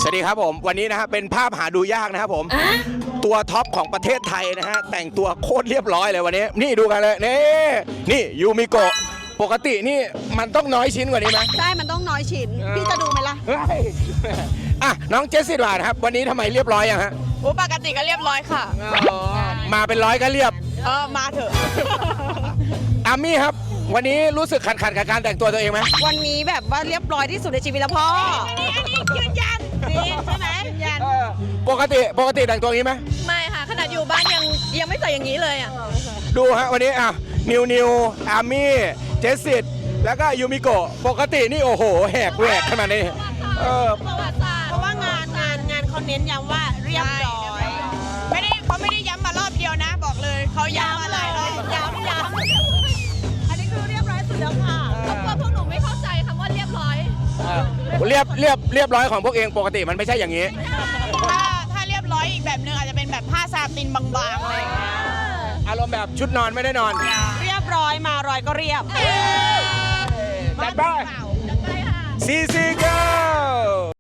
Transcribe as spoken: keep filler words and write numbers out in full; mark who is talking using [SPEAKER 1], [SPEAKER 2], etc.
[SPEAKER 1] สวัสดีครับผมวันนี้นะฮะเป็นภาพหาดูยากนะครับผมตัวท็อปของประเทศไทยนะฮะแต่งตัวโคตรเรียบร้อยเลยวันนี้นี่ดูกันเลยนี่นี่ยูมิโกะปกตินี่มันต้องน้อยชิ้นกว่านี้ไหม
[SPEAKER 2] ใช่มันต้องน้อยชิ้น พี่จะดูไหมล่ะ
[SPEAKER 1] เฮ้ยอ่ะน้องเจสซี่ดวานครับวันนี้ทำไมเรียบร้อยอย่างฮะ
[SPEAKER 3] โอ้ปกติก็เรียบร้อยค่ะ
[SPEAKER 1] มาเป็นร้อยก็เรียบ
[SPEAKER 3] เออมาเถอะ
[SPEAKER 1] อามี่ครับวันนี้รู้สึกขัดขัดกับการแต่งตัวตัวเองไหม
[SPEAKER 2] วันนี้แบบว่าเรียบร้อยที่สุดในชีวิตแล้วพ่ออันนี้อันนี้ยืนยันนี่ใช่ไหมยืนยัน
[SPEAKER 1] เออปกติปกติแต่งตัวอย่างนี้ไหม
[SPEAKER 3] ไม่ค่ะ ขนาดอยู่บ้านยังยังไม่ใส่อย่างนี้เลยอ่ะ
[SPEAKER 1] ดูฮะวันนี้อ่ะนิวนิวอาร์มี่เจสสิตแล้วก็ยูมิโกะปกตินี่โอ้โหแหกแหวกขนาดนี้เออ
[SPEAKER 3] ประวัติศาสตร์
[SPEAKER 2] เพราะว่างานงานงานเขาเน้นย้ำว่าเรียบร้อย
[SPEAKER 3] ไม่ได้เขาไม่ได้ย้ำมารอบเดียวนะ บอกเลยเขาย้ำมาหลายรอบ
[SPEAKER 2] ย้ำย้ำอันนี้คือเรียบร้อยสุดแล้วค่ะ
[SPEAKER 3] เพราะว่าพวกหนูไม่เข้าใจคำว่าเรียบร้อย
[SPEAKER 1] เรียบเรียบเรียบร้อยของพวกเองปกติมันไม่ใช่อย่างนี้
[SPEAKER 3] ถ้าถ้าเรียบร้อยอีกแบบนึงอาจจะเป็นแบบผ้าซาตินบางๆอะไรอย่างเงี้ย
[SPEAKER 1] อารมณ์แบบชุดนอนไม่ได้นอน
[SPEAKER 2] เรียบร้อยมารอยก็เรียบ
[SPEAKER 1] จัดไปซีซีเกิ